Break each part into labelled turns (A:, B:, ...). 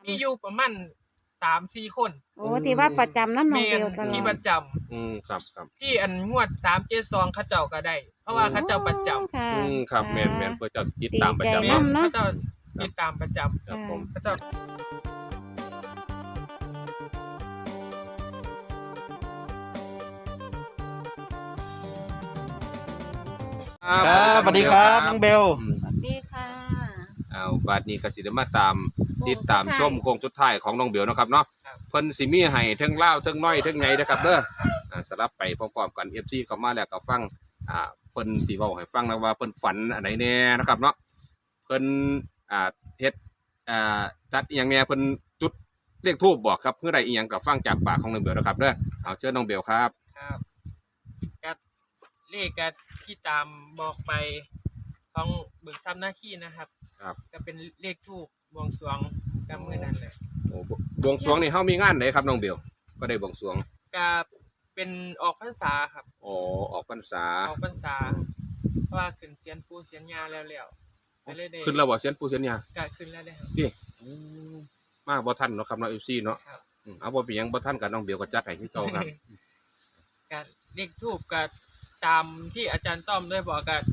A: มีอยู่ประมาณ3-4 คน
B: โอ้ที่ว่าประจำน้ำน้องเบลตลอ
A: ที่ป
B: ด
A: ระจำ
C: ครับ
A: ที่อันงวด372เขาเจ้าก็ได้ เพราะว่าเขาเจ้าประจำ
B: ค่ะ
C: ครับแม่นเพื่อจะติดตามประจำ
B: ดีใจ
A: แม่
B: นำ
A: เขาเจ้าติดตามประจำ
C: ครับผม
A: เขาเจ้า
D: ครับสวัสดีครับน้องเบล
B: สวัสดีค่ะ
C: เอาบัดนี้ก็สิได้มาตามติดตามชมโค้งสุดท้ายของน้องเบลนะครับเนาะเพิ่นสิมีให้ทั้งลาวทั้งน้อยทั้งใหญ่นะครับเด้อสลับไปพร้อมๆกัน FC เข้ามาแล้วก็ฟังเพิ่นสิเว้าให้ฟังนะว่าเพิ่นฝันอันไหนแน่นะครับเนาะเพิ่นเฮ็ดจัดอีหยังแน่เพิ่นจุดเลขทูปบอกครับเพื่อใดอีหยังก็ฟังจากปากของน้องเบลนะครับเด้อเอาเชิญน้องเบลครับ
A: ครับก็เลขก็ที่ตามบอกไปของเบิกทรัพย์หน้าที่นะครับ
C: ครับ
A: ก็เป็นเลขทูปบวงสรวงกับมือนั้นเลย
C: โอ้บวงสรวงนี่เฮามีงานไหนครับน้องเบลก็ได้บวงสรวง
A: ก็เป็นออกพรรษาครับ
C: อ๋อออกพรรษา
A: ออกพรรษาเพราะว่าขึ้นเสียนปูเสียนยาแล้วไปเลยได้
C: ขึ้นแล้วบ่เสียนปู่เสียนยา
A: ก็ขึ้นแล้วได้ครับ
C: ดิมาบ่ทันเนาะครับเนาะ FC เนาะ
A: ครับ
C: เอาบ่เป็นหยังบ่ทันกับน้องเบลก็จัดให้คือเก่าครับ
A: ก็เลขทูปก็ตามที่อาจารย์ต้อมได้บอกก็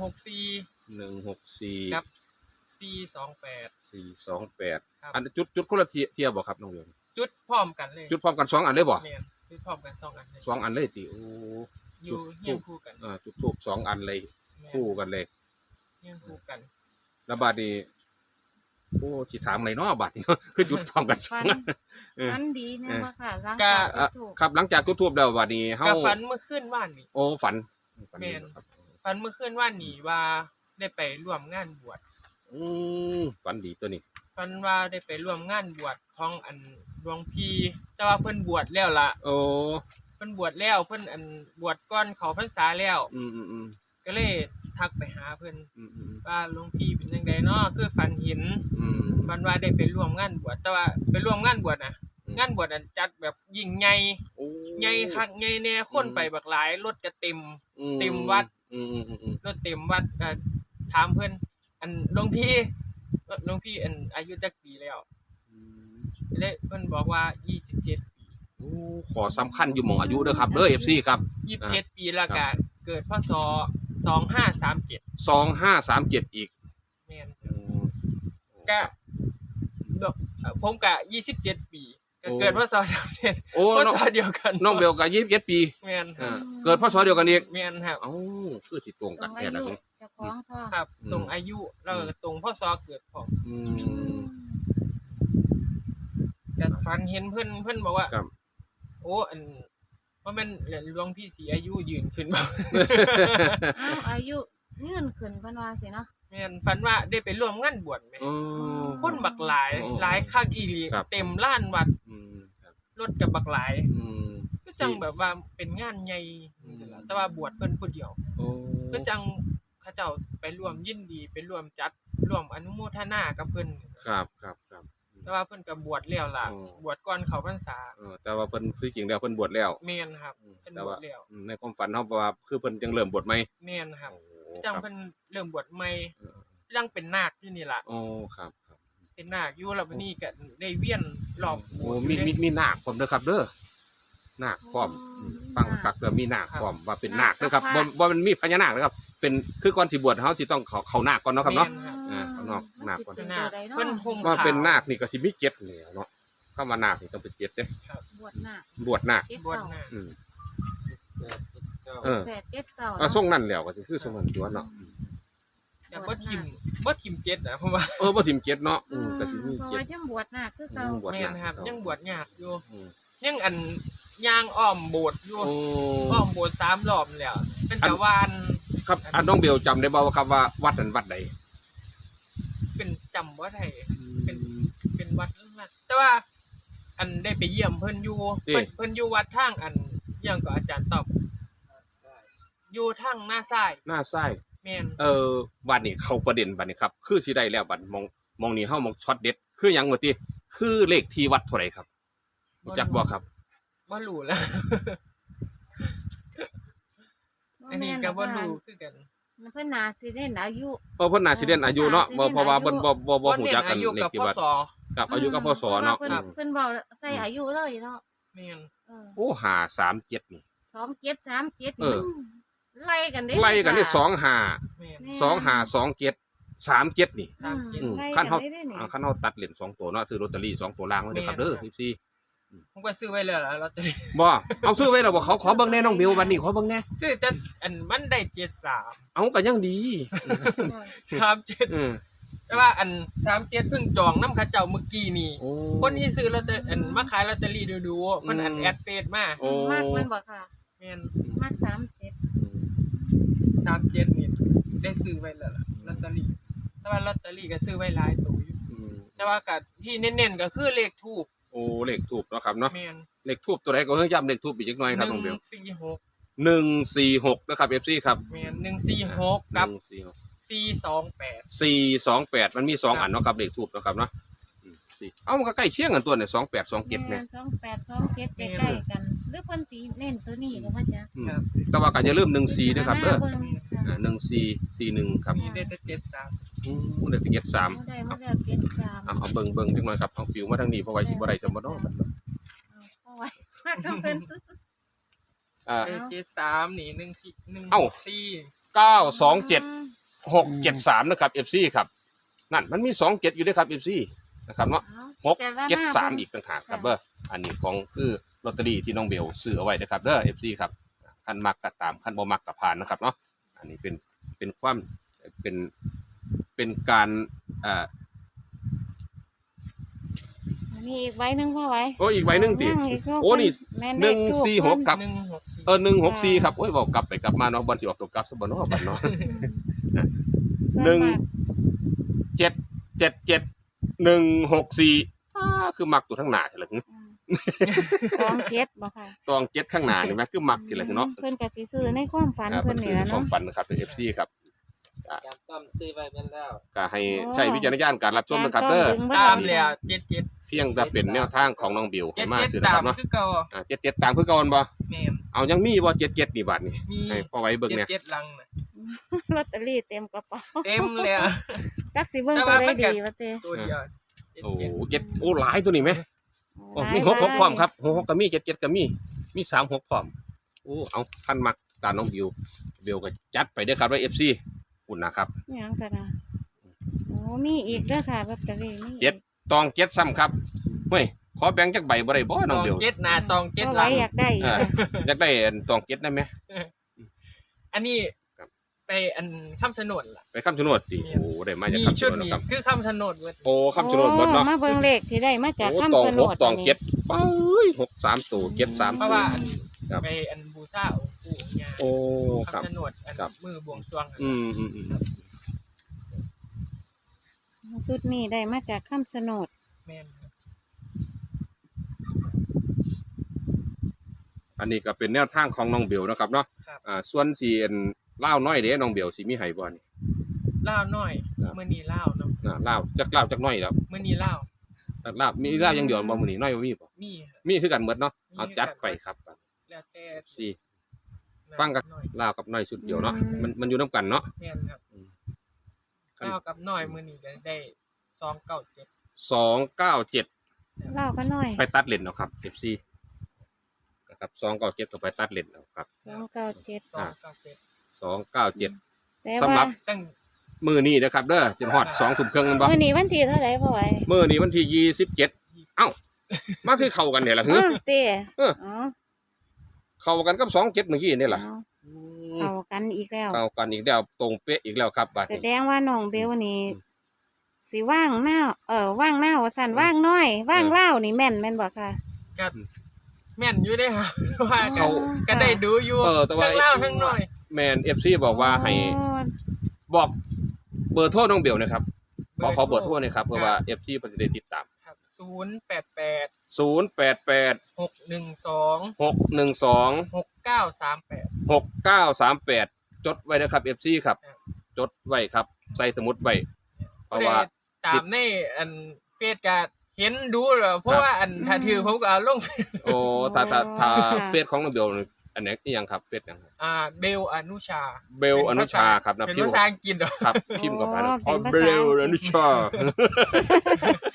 A: 164 ครับ 428
C: 428
A: ครับ
C: อันจุดคนละเทียบบ่ครับน้องเบล
A: จุดพร้อมกันเลย
C: จุดพร้อมกัน2อันเลยบ่
A: แม่นจุดพร้อมกัน2อันเลย
C: 2อันเลยติโอ้
A: อยู่เฮียงคู่กัน
C: จุดทูบ2อันเลย
A: แม่น
C: คู่กันเลย
A: เฮียงคู่กัน
C: แล้วบัดนี้โอ้สิถามอะไรเนาะบัดนี้ คือจุดพร้อมกันสอ
B: ฟั
C: ง
B: น
C: อัน เออ
B: ฟันดีนะว่าค่ะร่าง
A: ก็
B: กายถูก
C: ครับหลังจากจุดทูบแล้วบัดนี้เฮา
A: ก็ฝันเมื่อคืนว่านนี่
C: โอ้ฝัน
A: แม่น
C: ครับ
A: ฝันเมื่อคืนว่านนี่ว่าได้ไปร่วมงานบวช
C: ฝันดีตัวนี้
A: ฝันว่าได้ไปร่วมงานบวชของอันหลวงพี่แต่ว่าเพิ่นบวชแล้วล่ะ
C: โอ้
A: เพิ่นบวชแล้วเพิ่นอันบวชก่อนเขาพรรษาแล้ว
C: อืม
A: ก็เลยทักไปหาเพิ่น
C: อืม
A: ว่าหลวงพี่เป็นจังไดเนาะคือฝันเห็นฝันว่าได้ไปร่วมงานบวชแต่ว่าไปร่วมงานบวชน่ะงานบวชอันจัดแบบยิ่งใหญ่
C: โอ้
A: ใหญ่คักใหญ่แน่คนไปบักหลายรถก็เต็ม เต็มวัด รถเต็มวัดก็ถามเพิ่นอันหลวงพี่อันอายุจักปีแล้วเลยเพิ่นบอกว่า27 ปี
C: โอ้ขอสำคัญอยู่หม่องอายุเด้อครับเด้อ FC ครับ
A: 27 ปีแล้วก็เกิดพศ2537
C: 2537อีก
A: แม่นก็ผมก็27 ปีก็เกิดพศ37
C: โอ้
A: พ
C: น้อง
A: ศเดียวกัน
C: น้องเบลก็27 ปี
A: แม่นครับ
C: เกิดพศเดียวกันอีก
A: แม่นครับ
C: เอ้าคือสิตรง
B: ตร
C: กัน
B: ง
C: แท้
B: อา
C: ละ
B: ยุเจ้าของพ่อ
A: ครับตรงอายุแล้วก็ตรงพศเกิดของ ก็ฝันเห็นเพิ่นบอกว่า
C: ครับ
A: โอ้อันว่ามันหลวงพี่สีอายุยืนขึ้นบ่
B: อ้าวอายุเงื่อนขึ้นเพิ่นว่าสิเนาะ
A: แม่นฝันว่าได้ไปร่วมงานบวชแม่ คนบักหลาย
C: อ๋อ
A: หลายคักอีหลี
C: ครับ
A: เต็มลานวัด
C: ครับ
A: รถกับบักหลาย
C: ม
A: ก็จังแบบว่าเป็นงานใหญ่แต่ว่าบวชเพิ่นผู้เดียว
C: โอ้
A: ก็จังเขาเจ้าไปร่วมยินดีไปร่วมจัดร่วมอนุโมทนากับเพิ่น
C: ครับ
A: แต่ว่าเพิ่นก็บวชแล้วล่ะ
C: อ๋อ
A: บวชก่อนเข้าพรรษา
C: แต่ว่าเพิ่นคือจริงแล้วเพิ่นบวชแล้ว
A: แม่นครับเพิ่น
C: แต่
A: บว
C: ว่า
A: ชแล้ว
C: ในความฝันเฮาว่าคือเพิ่นจังเริ่มบวชใหม่
A: แม่นครับ
C: โอ้
A: จัง
C: ครับ
A: เพิ่นเริ่มบวชใหม่
C: เออ
A: ยังเป็นนาคอยู่นี่ล่ะ
C: โอ้ครับ
A: เป็นนาคอยู่แล้ววันนี้ก็ได้เวียนรอบโบ
C: โอ้
A: สถ์
C: มี
A: อยู่เด้
C: มีนาคพร้อมเด้อครับเด้อนาคพร้อมฟังคักเด้อมีนาคพร้อมว่าเป็นนาคเด้อครับบ่มันมีพญานาคนะครับเป็นคือก่อนสิบวชเฮาสิต้องเข้านาคก่อนเนาะครับเนาะ
A: แม่ครับ
C: ข้างนอกนาคก่อน
B: เป็
A: เป็น น
B: นา
A: นา
B: ค
A: คเพิ่นห่ม
C: ว่า
A: ขาว
C: เป็นนาคนี่ก็สิมีเจ็ดนี่เนาะคำว่านาคนี่ต้องเป็นเจ็ดเด้
B: บวชนาค
C: บวชนาค
B: เจ็ด
A: บวช
B: เก้า
A: นาค
C: อืม
B: แปดเจ็ดเก้า
C: อ่ะส่งนั่นแล้วก็สิคือส่งนั่นตัวเนาะ
A: แต่บ่ทิมเจ็ดนะเพราะว่า
C: บ่ทิมเจ็ดเนาะก็สิมี
B: เพราะ
C: เจ็ด
B: ว่ายังบวชนาคคือเก่า
C: บวช
A: แม่
C: นาน
A: ครับ ยังบวชยากอยู่
C: อืม
A: ยังอันย่างอ้อมโบสถ์อยู่
C: โอ้
A: อ้อมโบสถ์3 รอบแล้วเป็นตะวาน
C: ครับน้องเบลจำได้บ่ว่าครับว่าวัดนั้นวัดใด
A: เป็นจำบ่ได้เป็นวัดนั่นแต่ว่าอันได้ไปเยี่ยมเพิ่นอยู่เพิ่นอยู่วัดทางอันหยังก็อาจารย์ตอบอยู่ทางหน้าซ้าย
C: หน้าซ้าย
A: แม่น
C: บัดนี้เข้าประเด็นบัดนี้ครับคือสิได้แล้วบัดมองนี่เฮามองช็อตเด็ดคือหยังว่าติคือเลขที่วัดเท่าไหร่ครับรู้จักบ่ครับ
A: บ่รู้แล้ว อันนี้ก็บ่รู้คือกัน
B: เพิ่นน่าสิได้อายุ
C: เพราะเพิ่นน่าสิเด่นอายุเนาะบ่เพราะว่าเพิ่นบ่ฮู้จักกัน
A: เน้นอายุ
C: เลข
A: กับ
C: ที่
A: พ
C: วัด
A: ศ
C: กับอายุกับพศเนาะ
B: พรว่เพิ่นบอกใส่อายุเลยเนาะ
A: แม่น
C: โอ้537นี่
B: 2737
C: เออ
B: มันไล่กันเด้
C: ไล่กันได้
A: แม่น
C: 2527 นี่
A: 37
B: ไล่
C: คัน
B: กั
C: เฮา
B: ได้นี่
C: คันเฮาตัดเหรียญ2ตัวเนาะซื้อลอตเตอรี่2ตัวล่างไว้เด้อครับเด้อพี่
A: ผมก็ซื้อไว้แล้วล่ะลอตเตอรี่
C: บ่เอาซื้อไว้แล้วบ่เขาขอเบิ่งแน่น้องเบลวันนี้ขอเบิ่งแน่
A: ซื้อแต่อันมันได้73
C: เอาก็ยังดี
A: 37
C: อืม
A: แต่ว่าอัน37เพิ่งจองน้ำเขาเจ้าเมื่อกี้นี่
C: โอ้
A: คนที่ซื้อลอตเตอรี่อันมาขายลอตเตอรี่ดูๆมันอันแอดเฟซมา
C: โอ้
B: มากมันบ่ค่ะ
A: แม่น
B: มาก37
A: 37นี่ได้ซื้อไว้แล้วล่ะลอตเตอรี่แต่ว่าลอตเตอรี่ก็ซื้อไว้หลายตัวอยู่
C: อืม
A: แต่ว่าก็ที่เน้นๆก็คือเลขทูป
C: โอ้เลขทูบเนาะครับเนาะ
A: แม่น
C: เลขทูบตัวใดก็เพิ่งย้ำเลขทูบอีกจักหน่อยครับน้องเบล
A: 146
C: 146นะครับ FC ครับ
A: แม่น146กับ
C: 146
A: 428
C: 428มันมี2อันเนาะครับเลขทูบเนาะครับเนาะ4เอ้ามันก็ใกล้เคียงกันตัวเนี่ย2827เนี่ย
B: 2827ใกล้ๆกันหรือเพิ่นสิเน้นตัวนี้ก็ว่าจะ
C: อืมแต่ว่าก็อย่าลืม14ด้วยครับเด้อ
B: เบิ่งค่ะ
C: 1441ครับ
A: มีได้แต่73
C: เลขที่73
B: ได้มาแล้ว73
C: เอาเบิ่งจังหน่อยครับเอาฟิวมาทางนี้เพราะว่าสิบ่ได้สมบ่เนาะบัดเนาะ
B: เอาไว้มากต้องเป็น
C: อ่า
A: 73นี่1
C: เอ้า
A: 4
C: 927 673นะครับ FC ครับนั่นมันมี27อยู่ด้วยครับ FC นะครับเนาะ673อีกต่างหากครับเด้ออันนี้ของคือลอตเตอรี่ที่น้องเบลซื้อเอาไว้นะครับเด้อ FC ครับคันมักก็ตามคันบ่มักก็ผ่านนะครับเนาะอันนี้เป็นความเป็นการ
B: มีอีกใบหนึงพ่อไว้
C: โอ้อีกใบหนึงติ
B: ยังอีก
C: โอ้นี่
B: แม่เลขทูป
C: 146กับ 164ครับโอ้ยเว้ากลับไปกลับมาเนาะบ่สิออกตัวกลับซะบ่เนาะบัดเนาะ
B: ส่วนมาก
C: 777 164คือมักตัวทั้งหน้าใช่ล่ะ
B: กองเจ็ดบ่ค่ะ
C: ตอง7ข้างหน้านี่แม่คือมักนี่ล่ะเนาะ
B: เพิ่นก็สิซื้อในความฝันเพิ่นนี่ล่ะ
C: ควา
B: เนาะ
C: มฝันนะครับเป็น FC ครับ
D: จำต้อมซื้อไว้เป็นแล้ว
C: ก็ให้ใช้วิจารณญาณการรับชมนะครับเด้อ
A: ตามแล้ว77
C: เพียงจะเป็นแนวทางของน้องบิวให้มาซื้อ
A: 77
C: นะ
A: ตา
C: ครั
A: ม
C: บเนาะ
A: คือเก่า
C: 77ตามคือเก่าบ่
A: แม่น
C: เอายังมีบ่77นี่บาทนี่
A: มี
C: ให้พอไว้เบิ่งเนี่ย
A: 77ลังน่ะ
B: ลอตเตอรี่เต็มกระเป๋า
A: เต็มแล้ว
B: จักสิเบิ่งตัวได้ดีว่าเต้
A: ตัวเดียว
C: โอ้7โอ้หลายตัวนี่แม่โอ้มี66พร้อมครับ66ก็มี77ก็มี36พร้อมโอ้เอาคันมักตามน้องบิวก็จัดไปเด้อครับว่า FC อุ่นนะครับ
B: หยังกันนะโอ้มีอีกเด้อค่ะลอตเตอรี่มี
C: เจ็ด ตอง7ซ้ำครับเฮ้ยขอแบ่งจักใบบ่ได้บ่
A: ต
C: น้อง
A: อง
C: บิว
A: 7หน้าตอง
B: ก็
A: 7
B: ไว้
A: ลัง
B: อยากได้อีก
C: อ่า
B: ค่ะ
C: อยากได้ตอง7ได้ไหม
A: อันนี้
C: ครับ
A: ไปอันคำชะโนดล่ะ
C: ไปคำชะโนดติโอ้ได้มาจาก
A: มี
C: คำ
A: ชุ
C: ชะ
A: ด
C: โนด
A: นี้
C: ครับ
A: คือคำชะโนดเว้ย
C: โอ้คำชะโนดหมดเนาะ
B: มาเบิ่งเลขที่ได้มาจาก
C: โอ้
B: คำชะโนด
C: ตอง7ไป6 3ตัว7 3
A: เพราะว่าอัน
C: ครับ
A: ไปอันบูชาองค์ปู่ย่า
C: โอ้ครับ
A: คำชะโนดอัน
C: ครับ
A: มือบวงสรวงอะ
C: อืม
B: ชุดนี้ได้มาจากคำชะโนด
A: แม่นครับ
C: อันนี้ก็เป็นแนวทางของน้องเบลนะครับเนาะส่วนสีเล่าวน้อยเด้น้องเบลสิมีให้บ่นี่
A: ล่าวน้อย
C: ครับ
A: มื้อนี้ล่าวเนาะ
C: เล่าวจักน้อยแล้ว
A: มื้อนี้ล่าว
C: ลาวมีลาวอย่างเดียวบ่มื้อนี้น้อยบ่มีบ่
A: มีครับ
C: มีคือกันหมดเนาะ
A: มี
C: เอาจัดไปครับ
A: แล้วแต่
C: สิ ฟังกัน
A: น้อย
C: ลาวกับน้อยชุดเดียวเนาะมันอยู่นํกันเนาะ
A: แม่นครับ
C: ครับ
A: ล่าวกับน้อยมื้อนี้ก็ได้297
C: 297
B: เล่าก็น้อย
C: ไปตัดเลนเนาะครับ FC นะครับ297ก็ไปตัดเลนเอาครับ
B: 297
A: 297
B: แต่
C: สำหรั
B: ว่า
C: บ
A: ตั้ง
C: มื้อนี้นะครับเด้อจนฮอด 2:30นแม่นบ่
B: มื้อนี้วันที่เท่าไหร่พ่อไว้
C: มื้อนี้วันที่27เอ้ามาคือเข้ากันเนี่ยล่ะ
B: เอ
C: ฮึ
B: อเต้
C: เออ
B: อ๋อ
C: เข้ากันกับ27เมื่อกี้นี่ล่ะ
B: เอากันอีกแล้ว
C: เข้ากันอีกแล้วตรงเป๊ะอีกแล้วครับบัด
B: แส
C: นี้
B: ดงว่าน้องเบลนี่สิว่างหน้าว่างหน้าว่าสั่นว่างน้อย ว่างเล่านี่แม่นบ่ค่ะ
A: ก็แม่นอยู่เด้ครับ ว่า
C: เขา
A: ก็ได้ดูอยู่
C: แต่ว่า
A: ทั้งล่าวทั้งน้อย
C: แม่น FC บอกว่าให้
B: โอ้
C: บอกเบอร์โทรน้องเบลนะครับขอเบอร์โทรหน่อยครับเพื่อว่า FC เพิ่นจะได้ติดตาม
A: ครับ
C: 088
A: 088 612
C: 612
A: 6938
C: 6938จดไว้นะครับ FC ครับ
A: ครับ
C: จดไว้ครับใส่สมุดไว้เพ
A: ก็
C: ราะ
A: ได้
C: ว่า
A: ตามในอันเฟซก็เห็นดูแล้วเพราะว่าอันถ้าถือผมก็เอาลงเฟซ
C: โอ้ถ้าเฟซของน้องเบลนี่อันนี้อีหยังครับเฟซหยังครับ
A: เบลอนุชา
C: เบลอนุชาครับนะ
A: เป็น
C: พิม
A: ภา
C: พ์
A: ษาอังกฤษเหรอ
C: ครับพิมพ์กับอัน
B: อ๋อ
C: อ๋อ
B: เป็น
C: เบ
B: ภาษา
C: ลอนุชา
B: พ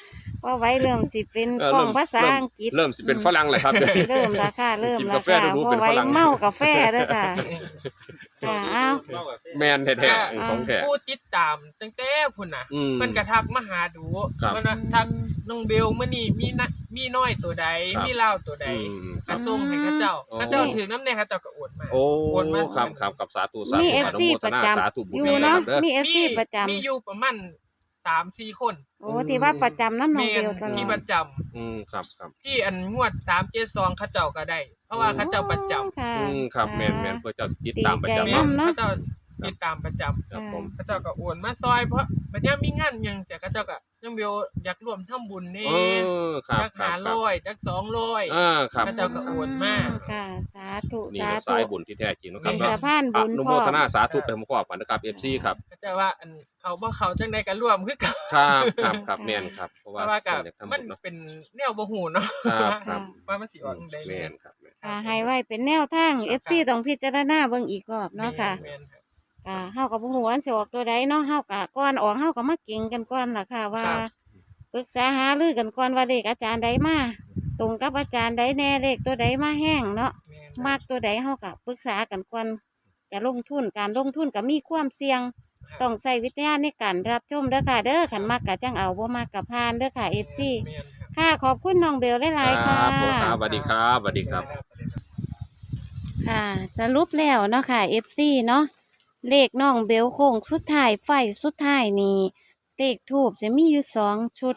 B: ว่าไว้เริ่มสิเป็น
C: เออก
B: ล้อง
C: เริ่ม
B: ภาษาอังกฤษ
C: เริ่มสิเป็นฝรั่งเลยครับ
B: เริ่มแล้วค่ะเริ่ม
C: กิน
B: แล้ว
C: กาแฟ
B: ค่ะ
C: ดู
B: เพ
C: เป็น
B: ราะไว้
C: ฝรั่ง
B: เมากาแฟเด้อค่ะค่ะเอา
C: แมนแท้ๆของแท้
A: ผู้ติดตามตั้งแต่พุ่นน่ะ
C: อืม
A: เพิ่นก็ทักมาหาดู
C: ครับ
A: เพิ่นว่าทักน้องเบลมื้อนี้มีน้อยตัวใด
C: ครับ
A: มีลาวตัวใด
C: ครั
A: ก็
C: บ
A: ส่งให้เขาเจ้า
C: โอ้
A: เขาเจ้าถือน้ำแน่เขาเจ้าก็โอนมา
C: โอ้
A: โอนมา
C: ครับกับสาธุสา
B: มี
C: ธุ
B: FC
C: อนุโมท
B: ประ
C: นา
B: จำ
C: สาธุบุญ
B: อยู่
C: ด้วย
B: เนาะ
C: ครับเด้อ
B: มี FC ประจำ
A: มีอยู่ประมาณ 3-4 คน
B: โอ้ที่ว่าประจำน้ำน้อง
A: แม่
B: เบ
A: น
B: ลตลอ
A: ที่
B: ด
A: ประจำ
C: ครับ
A: ที่อันงวด372เขาเจ้าก็ได้ เพราะว่าเขาเจ้าประจำ
B: ค่ะ
C: ครับแมนเพื่อเจ้าติดตามประจำ
B: ดีใจ
A: แม่
B: นำ
A: น
B: เนาะ
A: เขาเจ้าติดตามประจำ
C: ครับผม
A: เขาเจ้าก็โอนมาซอยเพราะบัดนี้มีงานหยังแต่เขาเจ้าก็ยังเบลอยากร่วมทำบุญนี่
C: ครับ
A: จัก
C: ครับ
A: 500จัก200
C: ครับ
A: เขาเจ้าก็โอนมา
B: ค่ะ สาธุ
C: นี่
B: สา
C: ก็
B: ธุ
C: สายบุญที่แท้จริงนะครับ
B: เป็น
C: เนาะ
B: สะพาน
C: อ
B: บุญ
C: นุ
B: พ
C: โม
B: ร้อ
C: ท
B: ม
C: นาสาธุไปพร้อมๆกันนะครับ FC ครับ
A: เขาเจ้าว่าอันเขาบ่เข้าจังได๋ก็ร่วมคือกัน
C: ครับแม่นครับเพราะ
A: เพ
C: ว่า
A: ราะว่าก็
C: อยากทำ
A: มั
C: บุ
A: น
C: ญเนาะ
A: เป็นแนวบ่ฮู้เนาะ
C: ครับ
A: ว่ามันสิออกจังได๋
C: แม่นครับ
B: ค่ะให้ไว้เป็นแนวทาง FC ต้องพิจารณาเบิ่งอีกรอบเนาะค่ะ
A: แม่นครับ
B: เฮาก็บ่ฮู้ว่าสิออกตัวใดเนาะเฮาก็ก่อนออกเฮาก็มาเก่งกันก่อนล่ะค่ะ ว่า
A: ครับ
B: ปรึกษาหารือกันก่อนว่าเลขอาจารย์ใดมาตรงกับอาจารย์ใดแน่เลขตัวใดมาแห้งเนาะ
A: แม่น
B: มากตัวใดเฮาก็ปรึกษากันก่อนจะลงทุนการลงทุนก็มีความเสี่ยง ต้องใช้วิทยาในการรับชมเด้อค่ะ เด้อขันมากกะจังเอาบ่มากกะพานเด้อค่ะ FC
A: แม่นครับ
B: ค่ะขอบคุณน้องเบลหลายๆค่ะ
C: ครับผมครับสวัสดีครับสวัสดีครับ
B: ค่ะสรุปแล้วเนาะค่ะ FC เนาะเลขน้องเบลโค้งสุดท้ายไฟสุดท้ายนี่เลขทูบจะมีอยู่2ชุด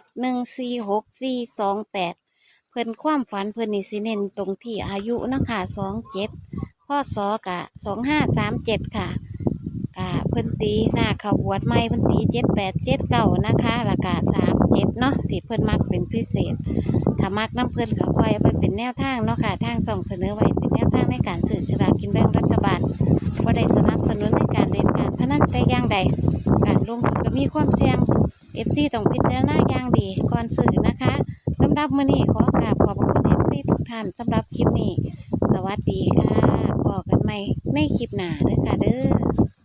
B: 146428เพิ่นความฝันเพิ่นนี่สิเน้นตรงที่อายุเนาะค่ะ27พ่อสอกะ2537ค่ะเพิ่นตีหน้าเขาบวชใหม่เพิ่นตี7879นะคะแล้วก็37เนาะที่เพิ่นมักเป็นพิเศษ ถ้ามักน้ำเพิ่นก็ปล่อยเอาไปเป็นแนวทางเนาะค่ะทางช่องเสนอไว้เป็นแนวทางในการซื้อสลากกินแบ่งรัฐบาลบ่ได้สนับสนุนในการเล่นการพนันแต่อย่างใดการลงทุนก็มีความเสี่ยง FC ต้องพิจารณาอย่างดีก่อนซื้อนะคะสำหรับมื้อนี้ขอกราบขอบพระคุณ FC ทุกท่านสำหรับคลิปนี้ สวัสดีค่ะพบกันใหม่ในคลิปหน้าเด้อค่ะเด้อ